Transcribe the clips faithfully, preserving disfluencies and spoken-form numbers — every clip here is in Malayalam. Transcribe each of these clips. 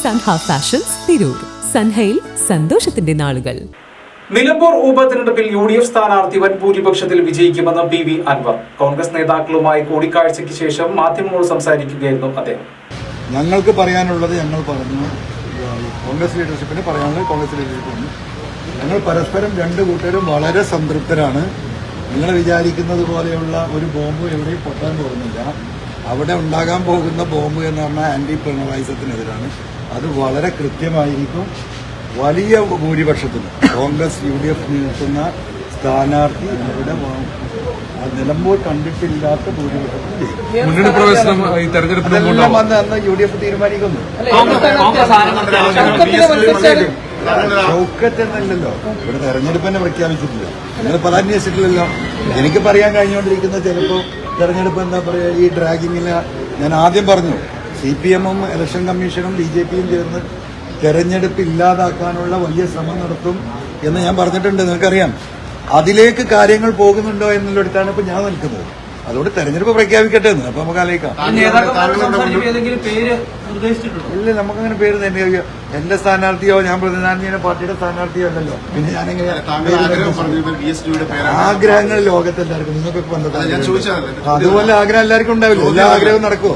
സൻഹ ഫാഷൻസ് തിരൂർ. സൻഹയിൽ സന്തോഷത്തിന്റെ നാളുകൾ. നിലമ്പൂർ ഉപതെരഞ്ഞെടുപ്പിൽ യു ഡി എഫ് സ്ഥാനാർത്ഥി വൻ ഭൂരിപക്ഷത്തിൽ വിജയിക്കുമെന്ന് പി വി അൻവർ. കോൺഗ്രസ് നേതാക്കളുമായി കൂടിക്കാഴ്ചയ്ക്ക് ശേഷം മാധ്യമങ്ങളോട് സംസാരിക്കുകയായിരുന്നു അദ്ദേഹം. ഞങ്ങൾക്ക് പറയാനുള്ളത് ഞങ്ങൾ പറഞ്ഞു, കോൺഗ്രസ് ലീഡർഷിപ്പിന് പറയാനുള്ളത് കോൺഗ്രസ് ലീഡർഷിപ്പിന്. ഞങ്ങൾ പരസ്പരം രണ്ട് കൂട്ടരും വളരെ സംതൃപ്തരാണ്. നിങ്ങൾ വിചാരിക്കുന്നത് പോലെയുള്ള ഒരു ബോംബ് എവിടെയും പൊട്ടാൻ പോകുന്നില്ല. അവിടെ ഉണ്ടാകാൻ പോകുന്ന ബോംബ് എന്ന് പറഞ്ഞാൽ ആന്റി പിണറായിസത്തിനെതിരാണ്. അത് വളരെ കൃത്യമായിരിക്കും. വലിയ ഭൂരിപക്ഷത്തിന് കോൺഗ്രസ് യു ഡി എഫ് നിൽക്കുന്ന സ്ഥാനാർത്ഥി അവിടെ നിലമ്പൂർ കണ്ടിട്ടില്ലാത്ത ഭൂരിപക്ഷത്തിൽ അതെല്ലാം വന്ന് അന്ന് യു ഡി എഫ് തീരുമാനിക്കുന്നു. ഷൗക്കത്ത് എന്നല്ലല്ലോ, ഇവിടെ തെരഞ്ഞെടുപ്പ് തന്നെ പ്രഖ്യാപിച്ചിട്ടില്ല. നിങ്ങൾ പല അന്വേഷിച്ചിട്ടില്ലല്ലോ. എനിക്ക് പറയാൻ കഴിഞ്ഞുകൊണ്ടിരിക്കുന്ന ചിലപ്പോൾ തെരഞ്ഞെടുപ്പ് എന്താ പറയുക, ഈ ഡ്രാഗിങ്ങിന് ഞാൻ ആദ്യം പറഞ്ഞു, സി പി എമ്മും ഇലക്ഷൻ കമ്മീഷനും ബി ജെ പിയും ചേർന്ന് തെരഞ്ഞെടുപ്പ് ഇല്ലാതാക്കാനുള്ള വലിയ ശ്രമം നടത്തും എന്ന് ഞാൻ പറഞ്ഞിട്ടുണ്ട്. നിങ്ങൾക്കറിയാം. അതിലേക്ക് കാര്യങ്ങൾ പോകുന്നുണ്ടോ എന്നുള്ളിടത്താണ് ഇപ്പൊ ഞാൻ നിൽക്കുന്നത്. അതുകൊണ്ട് തെരഞ്ഞെടുപ്പ് പ്രഖ്യാപിക്കട്ടെ എന്ന് അപ്പൊ നമുക്ക് ആലോചിക്കാം. ഇല്ല, നമുക്കങ്ങനെ പേര് തന്നെ. എന്റെ സ്ഥാനാർത്ഥിയോ ഞാൻ പ്രതിനിധാന പാർട്ടിയുടെ സ്ഥാനാർത്ഥിയോ അല്ലല്ലോ. പിന്നെ ഞാനെങ്ങനെ ആഗ്രഹങ്ങൾ ലോകത്ത് എല്ലാവർക്കും നിങ്ങൾക്കൊക്കെ വന്നത് അതുപോലെ ആഗ്രഹം എല്ലാവർക്കും ഉണ്ടാവില്ല. എല്ലാ ആഗ്രഹവും നടക്കുമോ?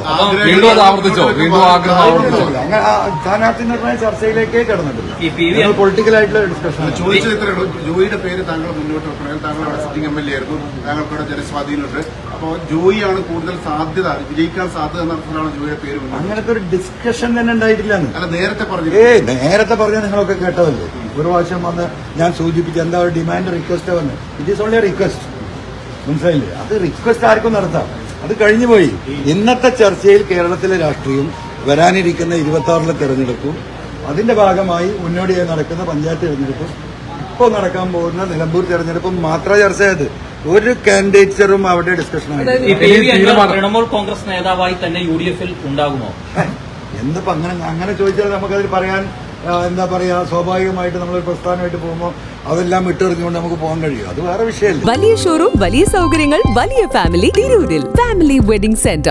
സ്ഥാനാർത്ഥി നിർണയ ചർച്ചയിലേക്കേ കിടന്നിട്ടില്ല. പൊളിറ്റിക്കൽ ആയിട്ടുള്ള ഡിസ്കഷൻ. ജോയിയുടെ പേര് താങ്കൾ മുന്നോട്ട് വെക്കണമെങ്കിൽ താങ്കൾ അവിടെ സിറ്റിംഗ് എം എൽ എ ആയിരുന്നു. താങ്കൾക്കവിടെ ജനസ്വാധീനമുണ്ട്. അപ്പോൾ ജോയിയാണ് കൂടുതൽ സാധ്യത, വിജയിക്കാൻ സാധ്യത നടത്തുന്നതാണ് ജോയിയുടെ പേര്. അങ്ങനത്തെ ഒരു ഡിസ്കഷൻ തന്നെ ഉണ്ടായിട്ടില്ല. അല്ല, നേരത്തെ പറഞ്ഞു. ഏ നേരത്തെ പറഞ്ഞാൽ നിങ്ങളൊക്കെ കേട്ടതല്ലേ. ഒരു പ്രാവശ്യം വന്ന് ഞാൻ സൂചിപ്പിച്ച എന്താ ഒരു ഡിമാൻഡ് റിക്വസ്റ്റ് വന്ന് ഇറ്റ് ഈസ് ഓൺലി റിക്വസ്റ്റ്. മനസ്സിലായില്ലേ? അത് റിക്വസ്റ്റ് ആർക്കും നടത്താം. അത് കഴിഞ്ഞു പോയി. ഇന്നത്തെ ചർച്ചയിൽ കേരളത്തിലെ രാഷ്ട്രീയം, വരാനിരിക്കുന്ന ഇരുപത്തി ആറിലെ തെരഞ്ഞെടുപ്പും അതിന്റെ ഭാഗമായി മുന്നോടിയായി നടക്കുന്ന പഞ്ചായത്ത് തെരഞ്ഞെടുപ്പും ഇപ്പോൾ നടക്കാൻ പോകുന്ന നിലമ്പൂർ തെരഞ്ഞെടുപ്പും മാത്രം ചർച്ച ചെയ്ത് ഒരു കാൻഡിഡേറ്റ്സും അവിടെ ഡിസ്കഷൻ തൃണമൂൽ കോൺഗ്രസ് നേതാവായി തന്നെ യു ഡി എഫിൽ ഉണ്ടാകുമോ? എന്നിപ്പോ അങ്ങനെ അങ്ങനെ ചോദിച്ചാൽ നമുക്കതിൽ പറയാൻ എന്താ പറയാ, സ്വാഭാവികമായിട്ട് നമ്മളൊരു പ്രസ്ഥാനമായിട്ട് പോകുമ്പോൾ അതെല്ലാം വിട്ടെറിഞ്ഞുകൊണ്ട് നമുക്ക് പോകാൻ കഴിയും. അത് വേറെ വിഷയമല്ല. വലിയ ഷോറൂം, വലിയ സൗകര്യങ്ങൾ, വലിയ ഫാമിലി തിരൂരിൽ. Family wedding centre.